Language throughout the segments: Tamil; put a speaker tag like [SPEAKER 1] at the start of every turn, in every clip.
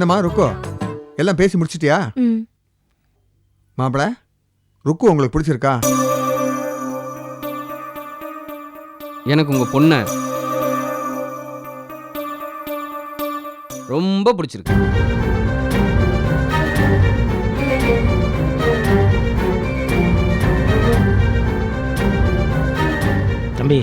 [SPEAKER 1] என்னம்மா ருக்கு எல்லாம் பேசி முடிச்சிட்டியா? மாப்பிள்ள ருக்கு உங்களுக்கு பிடிச்சிருக்கா?
[SPEAKER 2] எனக்கு உங்க பொண்ணை ரொம்ப பிடிச்சிருக்கு.
[SPEAKER 3] தம்பி,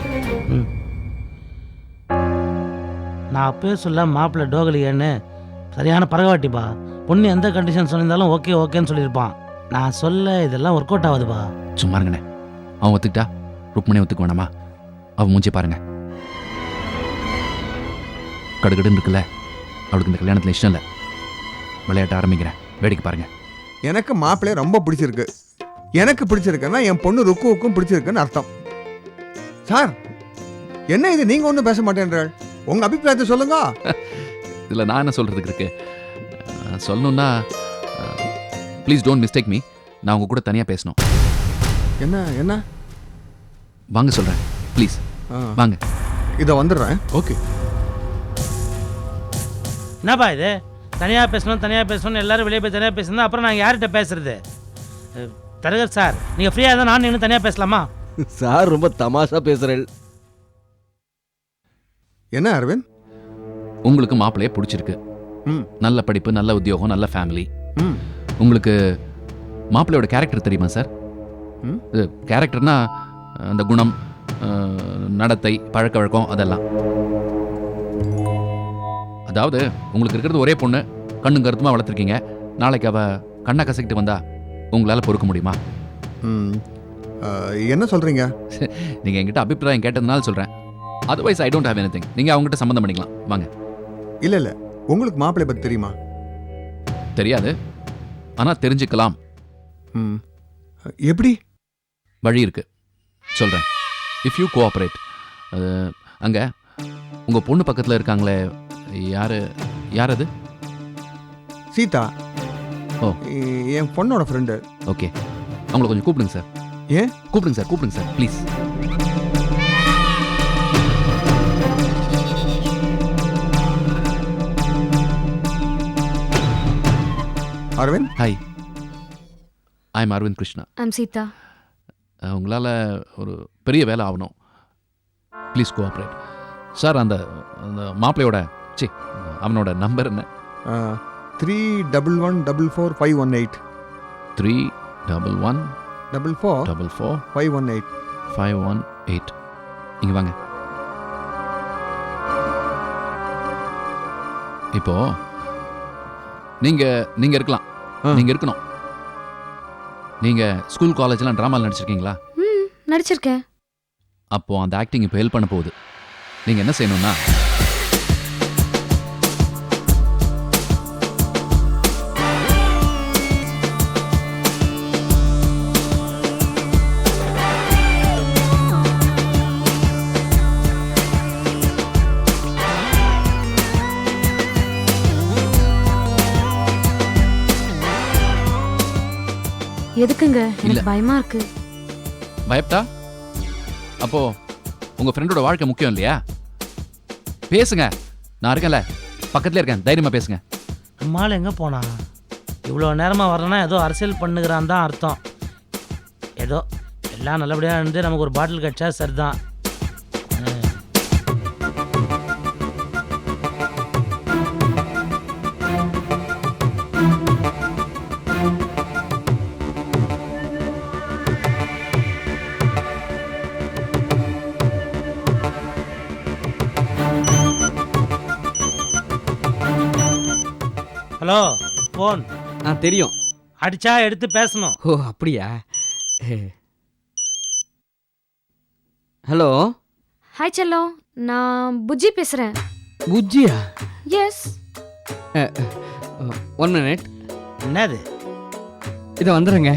[SPEAKER 3] நான் அப்பயே சொல்ல மாப்பிள்ளை டோகலியன்னு சரியான பரவாட்டிப்பா. பொண்ணு எந்த கண்டிஷன் சொல்லியிருந்தாலும் ஓகே ஓகேன்னு சொல்லியிருப்பான். நான் சொல்ல இதெல்லாம் ஒர்க் அவுட் ஆகுதுப்பா.
[SPEAKER 4] சும்மா இருங்கண்ணே. அவன் ஒத்துக்கிட்டா ருக்மணி ஒத்துக்க வேணாமா? அவன் மூஞ்சி பாருங்க, கடுகடுன்னு இருக்குல்ல. அவளுக்கு இந்த கல்யாணத்தில் இஷ்டம் இல்லை. விளையாட்ட ஆரம்பிக்கிறேன், வேடிக்கை பாருங்க.
[SPEAKER 1] எனக்கு மாப்பிள்ளைய ரொம்ப பிடிச்சிருக்கு. எனக்கு பிடிச்சிருக்குன்னா என் பொண்ணு ருக்குவுக்கும் பிடிச்சிருக்குன்னு அர்த்தம். சார் என்ன இது, நீங்க ஒன்றும் பேச மாட்டேன்றாள்? உங்க அபிப்பிராயத்தை சொல்லுங்க.
[SPEAKER 4] இதில் நான் என்ன சொல்றதுக்கு இருக்கு? சொல்லணும்னா ப்ளீஸ் டோன்ட் மிஸ்டேக் மீ. நான் உங்க கூட தனியாக பேசணும்.
[SPEAKER 1] என்ன என்ன
[SPEAKER 4] வாங்க சொல்கிறேன், ப்ளீஸ் வாங்க.
[SPEAKER 1] இதை வந்துடுறேன். ஓகே.
[SPEAKER 3] என்னப்பா இது, தனியாக பேசணும்னு எல்லாரும் வெளியே போய் தனியாக பேசணும். அப்புறம் நாங்கள் யார்கிட்ட பேசுறது? தரகர் சார், நீங்கள் ஃப்ரீயாக இருந்தால் நான் இன்னும் தனியாக பேசலாமா?
[SPEAKER 2] சார் ரொம்ப தமாஷா பேசுறேன்.
[SPEAKER 1] என்ன அரவிந்த்?
[SPEAKER 4] உங்களுக்கு மாப்பிள்ளையே பிடிச்சிருக்கு. நல்ல படிப்பு, நல்ல உத்தியோகம், நல்ல ஃபேமிலி. உங்களுக்கு மாப்பிள்ளையோட கேரக்டர் தெரியுமா சார்? கேரக்டர்னா அந்த குணம், நடத்தை, பழக்க வழக்கம் அதெல்லாம். அதாவது உங்களுக்கு இருக்கிறது ஒரே பொண்ணு, கண்ணும் கருத்துமா வளர்த்துருக்கீங்க. நாளைக்கு அவ கண்ணை கசக்கிட்டு வந்தா உங்களால் பொறுக்க முடியுமா?
[SPEAKER 1] என்ன சொல்றீங்க?
[SPEAKER 4] நீங்க என்கிட்ட அபிப்பிராயம் கேட்டதுனால சொல்றேன். Otherwise I don't have anything. நீங்க அவங்ககிட்ட சம்மந்தம் பண்ணிக்கலாம், வாங்க.
[SPEAKER 1] இல்ல இல்ல, உங்களுக்கு மாப்பிள்ளை பத்தி தெரியுமா?
[SPEAKER 4] தெரியாது, ஆனா தெரிஞ்சுக்கலாம்.
[SPEAKER 1] எப்படி?
[SPEAKER 4] வழி இருக்கு, சொல்றேன். If you cooperate. அங்க உங்க பொண்ணு பக்கத்துல இருக்காங்களே, யார் அது?
[SPEAKER 1] சீதா.
[SPEAKER 4] ஓ,
[SPEAKER 1] என் பொண்ணோட ஃப்ரெண்டு.
[SPEAKER 4] ஓகே, அவங்கள கொஞ்சம் கூப்பிடுங்க சார்.
[SPEAKER 1] ஏன்?
[SPEAKER 4] கூப்பிடுங்க sir please.
[SPEAKER 1] Aravind.
[SPEAKER 4] Hi, I am Aravind Krishna.
[SPEAKER 5] I'm Sita.
[SPEAKER 4] உங்களால் ஒரு பெரிய வேலை ஆகணும், ப்ளீஸ் கோஆப்ரேட். சார், அந்த மாப்பிள்ளையோட அவனோட நம்பர் என்ன?
[SPEAKER 1] 31144 518.
[SPEAKER 4] 31144 இங்கே வாங்க. இப்போ நீங்க இருக்கலாம், நீங்க இருக்கணும். நீங்க ஸ்கூல் காலேஜ்லாம் டிராமாவில் நடிச்சிருக்கீங்களா?
[SPEAKER 5] நடிச்சிருக்கேன்.
[SPEAKER 4] அப்போ அந்த ஆக்டிங் இப்போ ஹெல்ப் பண்ண போகுது. நீங்க என்ன செய்யணும்னா,
[SPEAKER 5] எதுக்குங்க? எனக்கு பயமா இருக்கு.
[SPEAKER 4] பயப்பட்டா அப்போ உங்க ஃப்ரெண்டோட வாழ்க்கை முக்கியம் இல்லையா? பேசுங்க, நான் இருக்கேன்ல, பக்கத்துல இருக்கேன், தைரியமா பேசுங்க.
[SPEAKER 3] அம்மாள் எங்கே போனா? இவ்வளோ நேரமாக வரலன்னா ஏதோ அரசியல் பண்ணுகிறான் தான் அர்த்தம். ஏதோ எல்லாம் நல்லபடியாக இருந்து நமக்கு ஒரு பாட்டில் கிடச்சா சரிதான். Hello, phone.
[SPEAKER 2] தெரியும்.
[SPEAKER 3] அடிச்சா எடுத்து பேசணும்.
[SPEAKER 2] ஓ அப்படியா? ஹலோ.
[SPEAKER 5] ஹாய் செல்லம், நான் புஜ்ஜி பேசுகிறேன்.
[SPEAKER 2] புஜ்ஜியா?
[SPEAKER 5] எஸ்.
[SPEAKER 2] 1 minute.
[SPEAKER 3] என்னது?
[SPEAKER 2] இதை வந்துடுங்க.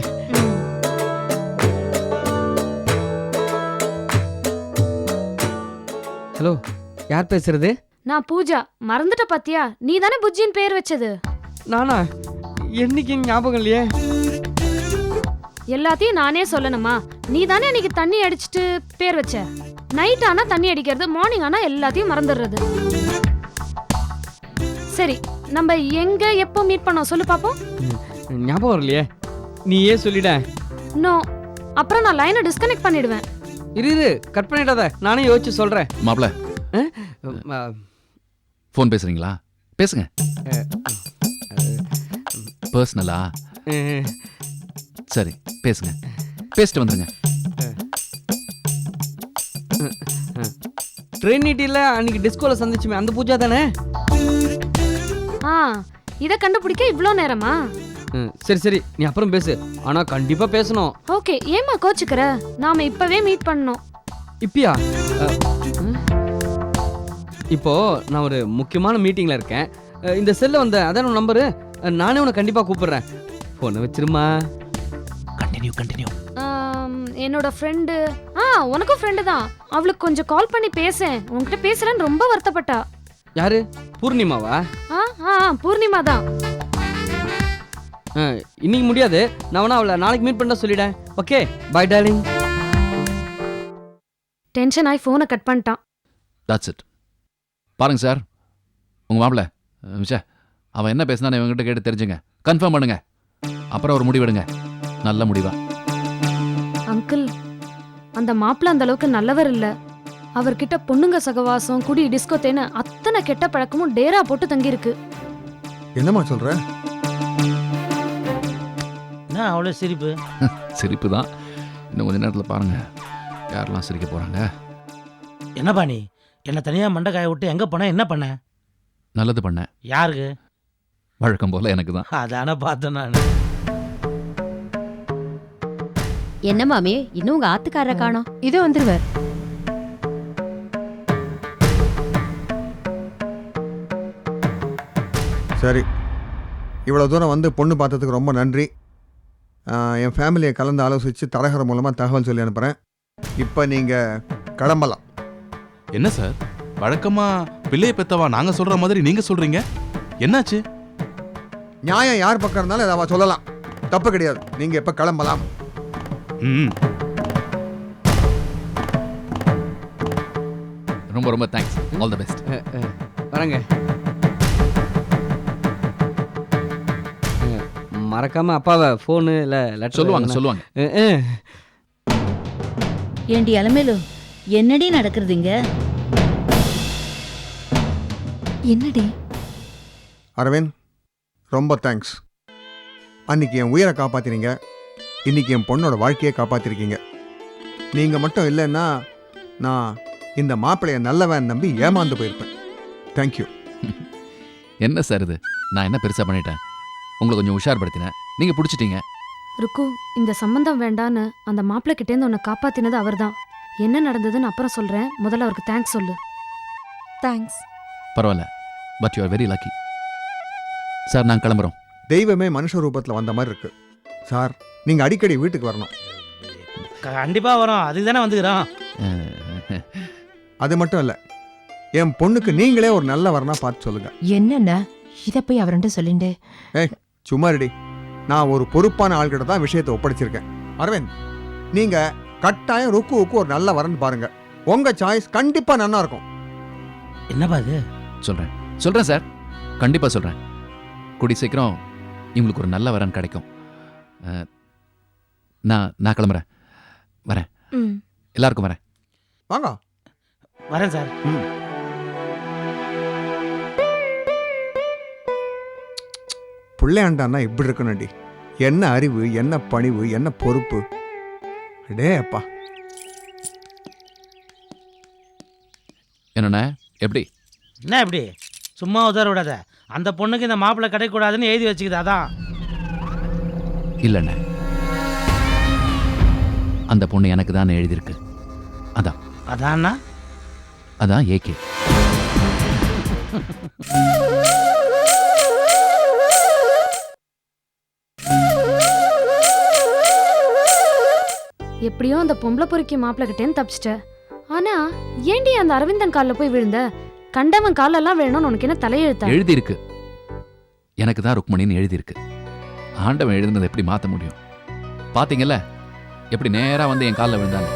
[SPEAKER 2] ஹலோ, யார் பேசுறது?
[SPEAKER 5] நான் பூஜா. மறந்துட்ட பாத்தியா? நீ தானே புஜ்ஜின்னு பேர் வச்சது.
[SPEAKER 2] நானா? என்னைக்கு ஞாபகம் இல்லையே.
[SPEAKER 5] எல்லாத்தையும் நானே சொல்லணுமா? நீ தானே அன்னைக்கு தண்ணி அடிச்சுட்டு பேர் வச்ச. நைட் ஆனா தண்ணி அடிக்கிறது, மார்னிங் ஆனா எல்லாத்தையும் மறந்துடுறது. சரி, நம்ம எங்க எப்போ மீட் பண்ணோம் சொல்லு பாப்போம்.
[SPEAKER 2] ஞாபகம் வரலையே, நீயே சொல்லிட.
[SPEAKER 5] நோ, அப்புறம் நான் லைனை டிஸ்கனெக்ட் பண்ணிடுவேன்.
[SPEAKER 2] இரு கட் பண்ணிடாத, நானே யோசிச்சு சொல்றேன்.
[SPEAKER 4] மாப்பிள
[SPEAKER 2] ஆ,
[SPEAKER 4] ஃபோன் பேசுறீங்களா? பேசுங்க. பர்சனலா?
[SPEAKER 2] அஹ்,
[SPEAKER 4] சரி பேசுங்க, பேசிட்டு வந்துருங்க.
[SPEAKER 2] ட்ரினிட்டில அன்னைக்கு டிஸ்கோல சந்திச்சுமே அந்த பூஜா தானே?
[SPEAKER 5] ஆ, இத கண்டுபிடிக்க இவ்ளோ நேரமா?
[SPEAKER 2] சரி நீ அப்புறம் பேசு, ஆனா கண்டிப்பா பேசணும்.
[SPEAKER 5] ஓகே, ஏமா கோச்சுக்கற? நாம இப்பவே மீட் பண்ணோம்.
[SPEAKER 2] இப்பயா? இப்போ நான் ஒரு முக்கியமான மீட்டிங்ல இருக்கேன். இந்த செல்ல வந்த அதான் உன் நம்பரு, நானே உன்னை கண்டிப்பா கூப்பிடுறேன். போனை வச்சிருமா.
[SPEAKER 4] கண்டினியூ.
[SPEAKER 5] என்னோட ஃப்ரெண்டு, உனக்கும் ஃப்ரெண்டு தான், அவளுக்கு கொஞ்சம் கால் பண்ணி பேசேன். உன்கிட்ட பேசுறேன்னு ரொம்ப வருத்தப்பட்டா.
[SPEAKER 2] யாரு? பூர்ணிமாவா?
[SPEAKER 5] பூர்ணிமா தான்.
[SPEAKER 2] இன்னைக்கு முடியாது, நான் வேணா அவளை நாளைக்கு மீட் பண்ண சொல்லிடேன். Okay bye darling.
[SPEAKER 5] டென்ஷன் ஆகி ஃபோனை கட் பண்ணிட்டான்.
[SPEAKER 4] That's it. பாருங்க சார், உங்க மாப்பிள அவன் என்ன பேசினான்னு இவங்ககிட்ட கேட்டு தெரிஞ்சுங்க, கன்ஃபார்ம் பண்ணுங்க, அப்புறம் ஒரு முடிவெடுங்க, நல்ல முடிவா.
[SPEAKER 5] அங்கிள், அந்த மாப்பிள்ள அந்த அளவுக்கு நல்லவர் இல்ல. அவர்கிட்ட பொண்ணுங்க சகவாசம், குடி, டிஸ்கோ தேன்னு அத்தனை கெட்ட பழக்கமும் டேரா போட்டு தங்கியிருக்கு.
[SPEAKER 1] என்னம்மா சொல்ற?
[SPEAKER 3] என்ன அவ்வளோ சிரிப்பு?
[SPEAKER 4] சிரிப்பு தான். இன்னும் கொஞ்ச நேரத்தில் பாருங்க யாரெல்லாம் சிரிக்க போறாங்க.
[SPEAKER 3] என்னப்பா நீ என்ன தனியாக மண்டைக்காய விட்டு எங்கே போன? என்ன பண்ண?
[SPEAKER 4] நல்லது பண்ணேன்.
[SPEAKER 3] யாருக்கு?
[SPEAKER 4] வழக்கம் போல எனக்கு தான்.
[SPEAKER 3] அதானே பார்த்தேன் நான்.
[SPEAKER 6] என்ன மாமி, இன்னும் உங்க ஆத்துக்காரரை காணோம்? இது வந்துருவார்.
[SPEAKER 1] சரி, இவ்வளோ தூரம் வந்து பொண்ணு பார்த்ததுக்கு ரொம்ப நன்றி. என் ஃபேமிலியை கலந்து ஆலோசித்து தரகர் மூலமாக தகவல் சொல்லி அனுப்புகிறேன். இப்போ நீங்கள் கிளம்பலாம்.
[SPEAKER 7] என்ன சார், வழக்கமா பிள்ளைய பெத்தவா நாங்க சொல்ற மாதிரி நீங்க சொல்றீங்க, என்னாச்சு?
[SPEAKER 1] நியாயம் யார் பக்கம் இருந்தாலும் அதை அவ சொல்லலாம், தப்பு கிடையாது. நீங்கள் இப்போ கிளம்பலாம்.
[SPEAKER 7] ம்,
[SPEAKER 4] ரொம்ப ரொம்ப தேங்க்ஸ். All the best.
[SPEAKER 2] வரேங்க. மறக்காம அப்பாவை ஃபோனு இல்லை லெட்டர்
[SPEAKER 4] சொல்லுவாங்க.
[SPEAKER 6] ஏண்டி அலமேலு, என்னடி நடக்கிறதுங்க? என்னடி?
[SPEAKER 1] அரவிந்த், ரொம்ப தேங்க்ஸ். அன்னைக்கு என் உயிரை காப்பாற்றினீங்க, இன்னைக்கு என் பொண்ணோட வாழ்க்கையை காப்பாற்றிருக்கீங்க. நீங்கள் மட்டும் இல்லைன்னா நான் இந்த மாப்பிள்ளையை நல்லவன் நம்பி ஏமாந்து போயிருப்பேன். தேங்க்யூ.
[SPEAKER 4] என்ன சார் இது, நான் என்ன பெருசா பண்ணிட்டேன்? உங்களை கொஞ்சம் உஷார்படுத்தினேன், நீங்க பிடிச்சிட்டீங்க.
[SPEAKER 5] ருக்கு, இந்த சம்பந்தம் வேண்டான்னு அந்த மாப்பிள்ளை கிட்டேருந்து உன்னை காப்பாத்தினது அவர்தான். என்ன நடந்ததுன்னு அப்புறம் சொல்றேன், முதல்ல அவருக்கு தேங்க்ஸ் சொல்லு.
[SPEAKER 6] தேங்க்ஸ்.
[SPEAKER 4] பரவாயில்ல, but you are very lucky. Sir நாங்கள் கிளம்புறோம்.
[SPEAKER 1] தெய்வமே மனுஷ ரூபத்தில் வந்த மாதிரி இருக்கு. சார், நீங்கள் அடிக்கடி வீட்டுக்கு வரணும்.
[SPEAKER 3] கண்டிப்பாக வரோம், அதுக்கு தானே வந்துக்கிறோம்.
[SPEAKER 1] அது மட்டும் இல்லை, என் பொண்ணுக்கு நீங்களே ஒரு நல்ல வரனா பார்த்து சொல்லுங்க.
[SPEAKER 8] என்னண்ணா இத போய் அவர்கிட்ட சொல்லிண்டு?
[SPEAKER 1] சும்மா ரெடி, நான் ஒரு பொறுப்பான ஆள்கிட்ட தான் விஷயத்தை ஒப்படைச்சிருக்கேன். அரவிந்த், நீங்க கட்டாயம் ருக்குவுக்கு ஒரு நல்ல வரன் பாருங்க. உங்க சாய்ஸ் கண்டிப்பா நல்லா இருக்கும்.
[SPEAKER 3] என்னப்பா இது?
[SPEAKER 4] சொல்றேன் சார், கண்டிப்பா சொல்றேன். கூடி சீக்கிரம் இவங்களுக்கு ஒரு நல்ல வரன் கிடைக்கும். நான் கிளம்புறேன். வரேன். எல்லாருக்கும் வரேன்.
[SPEAKER 1] வாங்க.
[SPEAKER 3] வரேன் சார்.
[SPEAKER 1] பிள்ளையாண்டான்னா இப்படி இருக்கணும்டி. என்ன அறிவு, என்ன பணிவு, என்ன பொறுப்பு. அடே அப்பா.
[SPEAKER 4] என்னண்ணே, எப்படி?
[SPEAKER 3] என்ன எப்படி? சும்மா உதற விடாத. அந்த பொண்ணுக்கு இந்த மாப்பிள்ளை கிடைக்கூடாதுன்னு எழுதி வச்சுக்குது, அதான்.
[SPEAKER 4] இல்லைண்ணே, அந்த பொண்ணு எனக்கு தான் எழுதியிருக்கு.
[SPEAKER 3] அதான்னா?
[SPEAKER 4] அதான் ஏகே.
[SPEAKER 5] எப்படியோ அந்த பொம்பளை பொறுக்கி மாப்பிள்ளை கிட்டேன்னு தப்பிச்சிட்ட. ஆனா ஏண்டி அந்த அரவிந்தன் காலில் போய் விழுந்த? கண்டவன் காலெல்லாம் வேணும்னு உனக்கு என்ன தலையெழுத்தா?
[SPEAKER 4] எழுதியிருக்கு, எனக்கு தான் ருக்மணின்னு எழுதியிருக்கு. ஆண்டவன் எழுதுனதை எப்படி மாற்ற முடியும்? பாத்தீங்கல்ல எப்படி நேரா வந்து என் காலில் விழுந்தாங்க.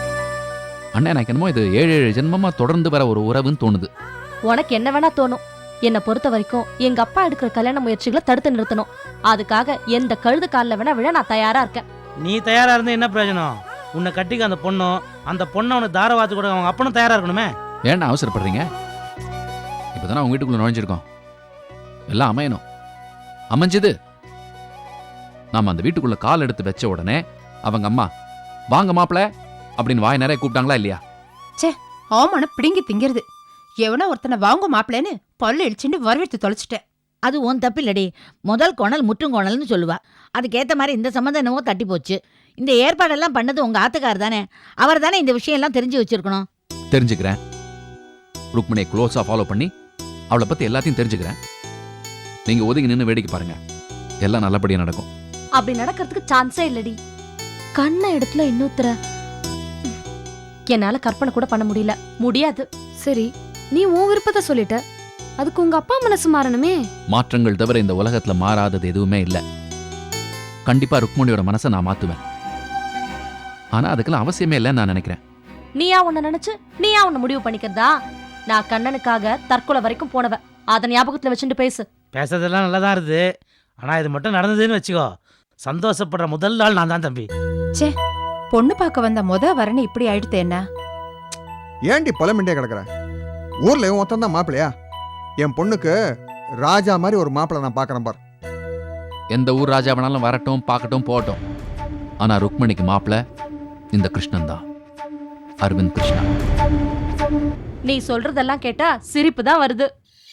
[SPEAKER 4] அண்ணே, எனக்கு என்னமோ இது 7 ஜென்மமா தொடர்ந்து வர ஒரு உறவுன்னு தோணுது.
[SPEAKER 6] உனக்கு என்ன வேணா தோணும்,
[SPEAKER 9] என்னை பொறுத்த வரைக்கும் எங்க அப்பா எடுக்கிற கல்யாண முயற்சிகளை தடுத்து நிறுத்தணும். அதுக்காக எந்த கழுது காலில் வேணா விழ நான் தயாரா இருக்கேன்.
[SPEAKER 3] நீ தயாரா இருந்தா என்ன பிரயோஜனம்? உன்னை கட்டிக்க அந்த பொண்ணும், அந்த பொண்ணை உனக்கு தாரவாத்து கூட அவங்க அப்பனும் தயாரா இருக்கணுமே.
[SPEAKER 4] ஏன்டா அவசரப்படுறீங்க? இப்போதானே அவங்க வீட்டுக்குள்ள நுழைஞ்சிருக்கோம். எல்லாம் அமையணும். அமைஞ்சது. நாம அந்த வீட்டுக்குள்ள கால் எடுத்து வச்ச உடனே அவங்க அம்மா வாங்க மாப்பிள அப்படின்னு வாய் நிறைய கூப்பிட்டாங்களா இல்லையா?
[SPEAKER 8] ஆமான பிடிங்கி திங்கிறது. எவனா ஒருத்தனை வாங்க மாப்பிளேன்னு பல்லு இழிச்சுட்டு வரவேற்று தொலைச்சிட்டேன்.
[SPEAKER 10] அது உன் தப்பில்லடி. முதல் கோணல் முற்றுங்கோணல்னு சொல்லுவா. அதுக்கேற்ற மாதிரி இந்த சம்மந்தம் என்னவோ தட்டி போச்சு. இந்த ஏற்பாடெல்லாம் பண்ணது உங்க ஆத்துக்கார் தானே. அவர் தானே இந்த விஷயம் எல்லாம் தெரிஞ்சு வச்சிருக்கணும்.
[SPEAKER 4] தெரிஞ்சுக்கிறேன். ருக்மணியை க்ளோஸா ஃபாலோ பண்ணி அவளை பத்தி எல்லாத்தையும் தெரிஞ்சுக்கிறேன். நீங்க ஒதுங்கி நின்று வேடிக்கை பாருங்க. எல்லாம் நல்லபடியா நடக்கும்.
[SPEAKER 9] அப்படி நடக்கிறதுக்கு சான்ஸே இல்லடி. கண்ண இடத்துல இன்னொருத்தர என்னால கற்பனை கூட பண்ண முடியாது.
[SPEAKER 5] சரி, நீ உன் விருப்பத்தை சொல்லிட்ட, அதுக்கு உங்க அப்பா மனசு மாறணுமே.
[SPEAKER 4] மாற்றங்கள் தவிர இந்த உலகத்துல மாறாதது எதுவுமே இல்ல. கண்டிப்பா ருக்மணியோட மனசை நான் மாத்துவேன். ஆனா அதுக்கெல்லாம் அவசியமே இல்லைன்னு நான் நினைக்கிறேன்.
[SPEAKER 9] நீயா உன்னை நினைச்சு நீயா உன்னை முடிவு பண்ணிக்கிறதா? நான் கண்ணனுக்காக தற்கொலை வரைக்கும் போனவ. அதை ஞாபகத்துல வச்சுட்டு பேசு.
[SPEAKER 3] பேசுறதெல்லாம் நல்லா தான் இருக்குது. ஆனா இது மட்டும் நடந்ததுன்னு வச்சுக்கோ, சந்தோஷப்படுற முதல் நாள் நான் தான் தம்பி.
[SPEAKER 8] பொண்ணு பார்க்க வந்த வரன்னு இப்படி ஆயிடுத்து என்ன?
[SPEAKER 1] ஏண்டி பழமிண்டே கிடக்குற? ஊர்ல இவன் ஒருத்தன் தான் மாப்பிள்ளையா? என் பொண்ணுக்கு ராஜா மாதிரி ஒரு மாப்பிள்ளை நான் பார்க்கறேன் பார்.
[SPEAKER 4] எந்த ஊர் ராஜா வேணாலும் வரட்டும், பார்க்கட்டும், போகட்டும். ஆனா ருக்மணிக்கு மாப்பிள்ளை இந்த கிருஷ்ணன் தான். அரவிந்த் கிருஷ்ணா.
[SPEAKER 9] நீ சொல்றதெல்லாம் கேட்டா சிரிப்பு தான் வருது.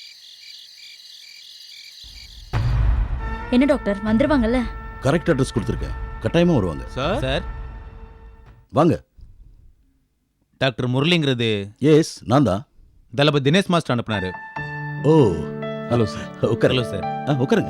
[SPEAKER 10] என்ன டாக்டர் வந்துருவாங்கல்ல?
[SPEAKER 11] கரெக்ட் அட்ரஸ் கொடுத்துருக்கேன். கட்டாயமா வருவாங்க.
[SPEAKER 7] சார்
[SPEAKER 11] வாங்க.
[SPEAKER 7] டாக்டர் முரளிங்கிறது
[SPEAKER 11] எஸ், நான் தான்.
[SPEAKER 7] தளபதி தினேஷ் மாஸ்டர் அனுப்புனாரு.
[SPEAKER 11] ஓ,
[SPEAKER 7] ஹலோ சார்.
[SPEAKER 11] உட்காருங்க.
[SPEAKER 7] Hello sir.
[SPEAKER 11] உட்காருங்க.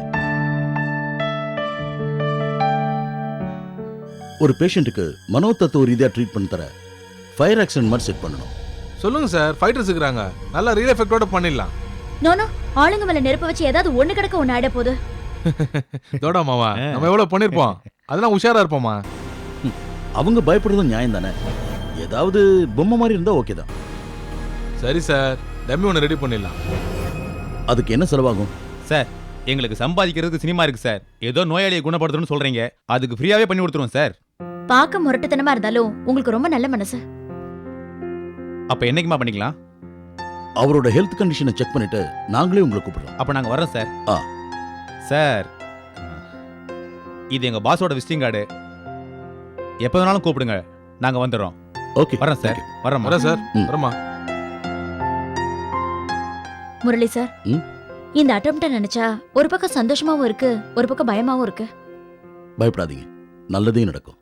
[SPEAKER 11] ஒரு பேஷண்ட்டுக்கு மனோதத்துவ ரீதியா ட்ரீட் பண்ணி தர ஃபயர் ஆக்சிடென்ட் மாதிரி செட் பண்ணணும்.
[SPEAKER 7] சொல்லுங்க சார். ஃபைட்டர்ஸ் இருக்காங்க. நல்லா ரியல் எஃபெக்ட்டோட பண்ணிடலாம்.
[SPEAKER 10] நோனோ, ஆளுங்க மேல நெருப்பு வச்சு ஏதாவது ஒண்ணு கிடக்க ஒண்ணு ஆயிட போகுது.
[SPEAKER 7] தோடா மாமா, நம்ம எவ்வளவு பண்ணிருப்போம். அதெல்லாம் உஷாரா இருப்போமா?
[SPEAKER 11] அவங்க பயப்படுறதும் நியாயம் தானே. ஏதாவது பொம்மை மாதிரி இருந்தா ஓகே தான்.
[SPEAKER 7] சரி சார், டம்மி ஒன்று ரெடி பண்ணிடலாம்.
[SPEAKER 11] அதுக்கு என்ன செலவாகும்?
[SPEAKER 12] சார், எங்களுக்கு சம்பாதிக்கிறதுக்கு சினிமா இருக்கு சார். ஏதோ நோயாளியை குணப்படுத்தணும்னு சொல்றீங்க, அதுக்கு ஃப்ரீயாவே பண்ணி கொடுத்துருவோம் சார்.
[SPEAKER 10] பார்க்க முரட்டுத்தனமா இருந்தாலும் உங்களுக்கு ரொம்ப நல்ல மனசு.
[SPEAKER 12] அப்ப என்னைக்குமா பண்ணிக்கலாம்?
[SPEAKER 11] அவரோட ஹெல்த் கண்டிஷனை செக் பண்ணிட்டு நாங்களே உங்களை கூப்பிடுறோம்.
[SPEAKER 12] அப்ப நாங்க வரோம் சார்.
[SPEAKER 11] ஆ
[SPEAKER 12] சார், இது எங்க பாஸோட விசிட்டிங் கார்டு. எப்போ வேணாலும் கூப்பிடுங்க, நாங்க வந்துடுறோம்.
[SPEAKER 11] ஓகே,
[SPEAKER 12] வரேன் சார். வரேன் சார். வரமா
[SPEAKER 10] முரளி சார், இந்த அட்டெம்ப்ட நினைச்சா ஒரு பக்கம் சந்தோஷமாவும் இருக்கு, ஒரு பக்கம் பயமாவும் இருக்கு.
[SPEAKER 11] பயப்படாதீங்க, நல்லதே நடக்கும்.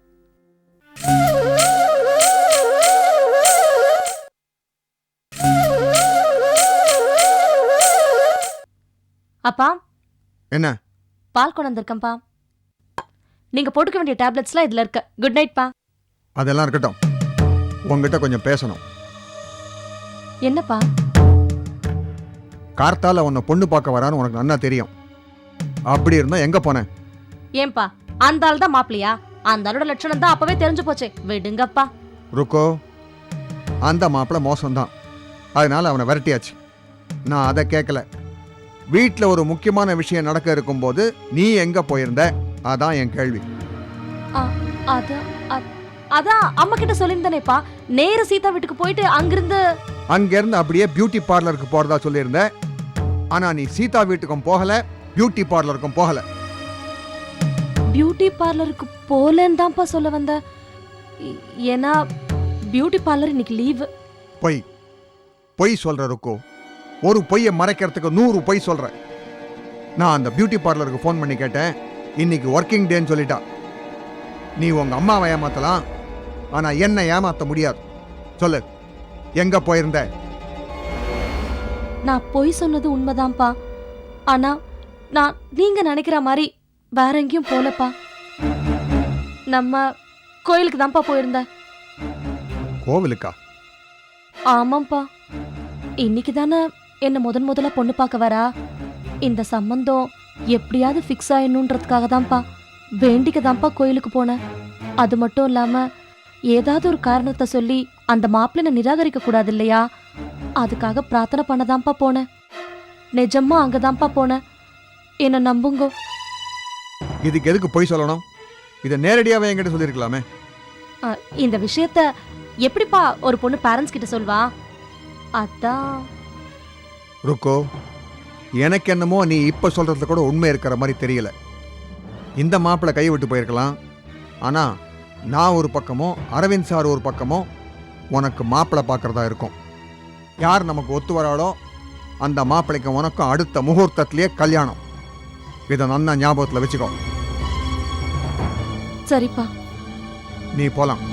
[SPEAKER 9] அப்பா,
[SPEAKER 1] என்ன?
[SPEAKER 9] பால் கொண்டு வந்திருக்கேன்ப்பா. நீங்க போட்டுக்க வேண்டிய டேப்லெட்ஸ்லாம் இதுல இருக்கு. குட் நைட் பா.
[SPEAKER 1] அதெல்லாம் இருக்கட்டும், உங்ககிட்ட கொஞ்சம் பேசணும்.
[SPEAKER 9] என்னப்பா?
[SPEAKER 1] கார்த்தால உன்னை பொண்ணு பார்க்க வரான்னு உனக்கு நல்லா தெரியும். அப்படி இருந்தா எங்க போனேன்?
[SPEAKER 9] ஏன்பா, அந்த ஆள் தான் மாப்பிளையா? அந்த ஆளோட லட்சணம் தான் அப்பவே தெரிஞ்சு போச்சே. விடுங்கப்பா.
[SPEAKER 1] ருக்கோ, அந்த மாப்பிள்ளை மோசம்தான். அதனால அவனை விரட்டியாச்சு. நான் அதை கேட்கல. வீட்டில் ஒரு முக்கியமான விஷயம் நடக்க இருக்கும்போது நீ எங்க போயிருந்த? அதான் என் கேள்வி.
[SPEAKER 9] அதான் அம்மா கிட்ட சொல்லியிருந்தேனேப்பா. நேரு சீதா வீட்டுக்கு போயிட்டு அங்கிருந்து
[SPEAKER 1] அப்படியே பியூட்டி பார்லருக்கு போறதா சொல்லியிருந்த. ஆனா நீ சீதா வீட்டுக்கும் போகல, பியூட்டி பார்லருக்கும் போகல.
[SPEAKER 9] பியூட்டி பார்லருக்கு போலன்னு தான்ப்பா சொல்ல வந்த. ஏன்னா பியூட்டி பார்லர் இன்னைக்கு லீவு.
[SPEAKER 1] பொய் சொல்ற ருக்கோ. ஒரு பொய்யை மறைக்கிறதுக்கு 100 பொய் சொல்ற. நான் அந்த பியூட்டி பார்லருக்கு ஃபோன் பண்ணி கேட்டேன். இன்னைக்கு ஒர்க்கிங் டேன்னு சொல்லிட்டா. நீ உங்க அம்மாவை ஏமாத்தலாம், ஆனா என்ன ஏமாத்த முடியாது. சொல்லு, எங்க போயிருந்த?
[SPEAKER 9] நான் பொய் சொன்னது உண்மைதான்ப்பா. ஆனா நான் நீங்க நினைக்கிற மாதிரி வேற எங்கேயும் போலப்பா. நம்ம கோயிலுக்கு தான்ப்பா போயிருந்தேன்.
[SPEAKER 1] கோவிலுக்கா?
[SPEAKER 9] ஆமாப்பா. இன்னைக்கு தானே என்ன முதல்ல பொண்ணு பார்க்க வரா. இந்த சம்பந்தம் எப்படியாவது ஃபிக்ஸ் ஆயிடணுன்றதுக்காக தான்ப்பா, வேண்டிக்க தான்ப்பா கோயிலுக்கு போனேன். அது மட்டும் இல்லாம ஏதாவது ஒரு காரணத்தை சொல்லி அந்த மாப்பிள்ளை நிராகரிக்க கூடாது இல்லையா? அதுக்காக பிரார்த்தனை பண்ணதான்ப்பா போனேன். நிஜமா அங்கதான்ப்பா போனேன். என்ன நம்புங்கோ.
[SPEAKER 1] இதுக்கு எதுக்கு பொய் சொல்லணும்? இதை நேரடியாவே என்கிட்ட சொல்லியிருக்கலாமே.
[SPEAKER 9] இந்த விஷயத்த எப்படிப்பா ஒரு பொண்ணு பேரண்ட்ஸ் கிட்ட சொல்வா? அதான்.
[SPEAKER 1] ருக்கோ, எனக்கு என்னமோ நீ இப்போ சொல்கிறதுல கூட உண்மை இருக்கிற மாதிரி தெரியல. இந்த மாப்பிள்ளை கை விட்டு போயிருக்கலாம். ஆனால் நான் ஒரு பக்கமோ அரவிந்த் சார் ஒரு பக்கமோ உனக்கு மாப்பிள்ளை பார்க்குறதா இருக்கும். யார் நமக்கு ஒத்து வராளோ அந்த மாப்பிள்ளைக்கு உனக்கும் அடுத்த முகூர்த்தத்திலேயே கல்யாணம். இதை நன்னா ஞாபகத்தில் வச்சுக்கோ.
[SPEAKER 9] சரிப்பா.
[SPEAKER 1] நீ போலாம்.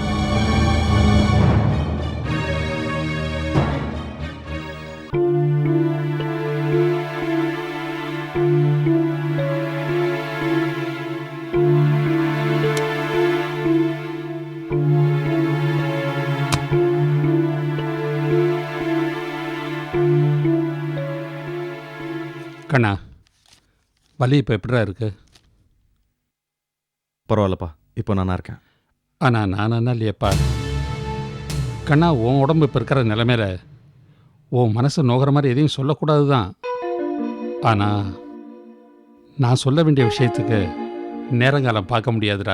[SPEAKER 13] கண்ணா, வலி இப்போ எப்படிடா இருக்கு?
[SPEAKER 11] பரவாயில்லப்பா, இப்போ நானா இருக்கேன்.
[SPEAKER 13] ஆனால் நானா இல்லையப்பா. கண்ணா, உன் உடம்பு இப்போ இருக்கிற நிலைமையில உன் மனசு நோகிற மாதிரி எதையும் சொல்லக்கூடாது தான். ஆனால் நான் சொல்ல வேண்டிய விஷயத்துக்கு நேரங்காலம் பார்க்க முடியாதுடா.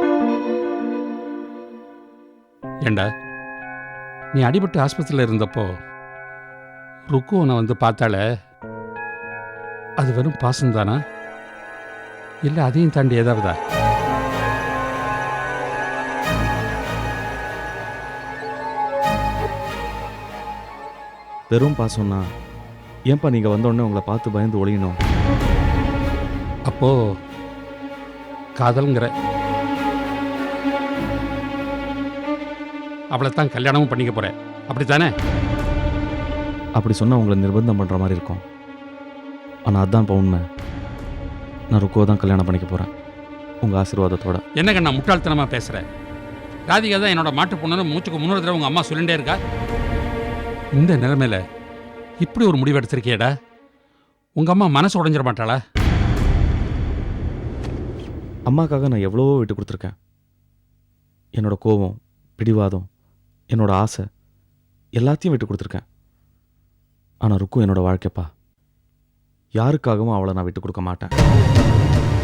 [SPEAKER 13] ஏண்டா, நீ அடிபட்டு ஆஸ்பத்திரியில் இருந்தப்போ ருக்கு உன்னை வந்து பார்த்தாலே, அது வெறும் பாசம்தானா இல்லை அதையும் தாண்டி ஏதாவதா?
[SPEAKER 11] வெறும் பாசம்னா ஏன்பா நீங்கள் வந்தோடனே உங்களை பார்த்து பயந்து ஒழியணும்?
[SPEAKER 13] அப்போ காதல்ங்கிற அவளைத்தான் கல்யாணமும் பண்ணிக்க போறேன், அப்படித்தானே?
[SPEAKER 11] அப்படி சொன்னால் உங்களை நிர்பந்தம் பண்ணுற மாதிரி இருக்கும். ஆனால் அதுதான் இப்போ உண்மை. நான் ருக்குவை தான் கல்யாணம் பண்ணிக்க போகிறேன், உங்கள் ஆசீர்வாதத்தோட.
[SPEAKER 13] என்ன கண்ணா முட்டாள்தனமாக பேசுகிறேன்? ராதிகா தான் என்னோட மாட்டு பொண்ணுன்னு மூச்சுக்கு 300 தடவை உங்கள் அம்மா சொல்லிகிட்டே இருக்கா. இந்த நிலைமையில இப்படி ஒரு முடிவு எடுத்திருக்கியடா. உங்கள் அம்மா மனசு உடைஞ்சிட மாட்டாளா?
[SPEAKER 11] அம்மாக்காக நான் எவ்வளவோ விட்டு கொடுத்துருக்கேன். என்னோட கோபம், பிடிவாதம், என்னோட ஆசை எல்லாத்தையும் விட்டு கொடுத்துருக்கேன். ஆனால் ருக்கு என்னோட வாழ்க்கைப்பா. யாருக்காகவும் அவளை நான் விட்டு கொடுக்க மாட்டேன்.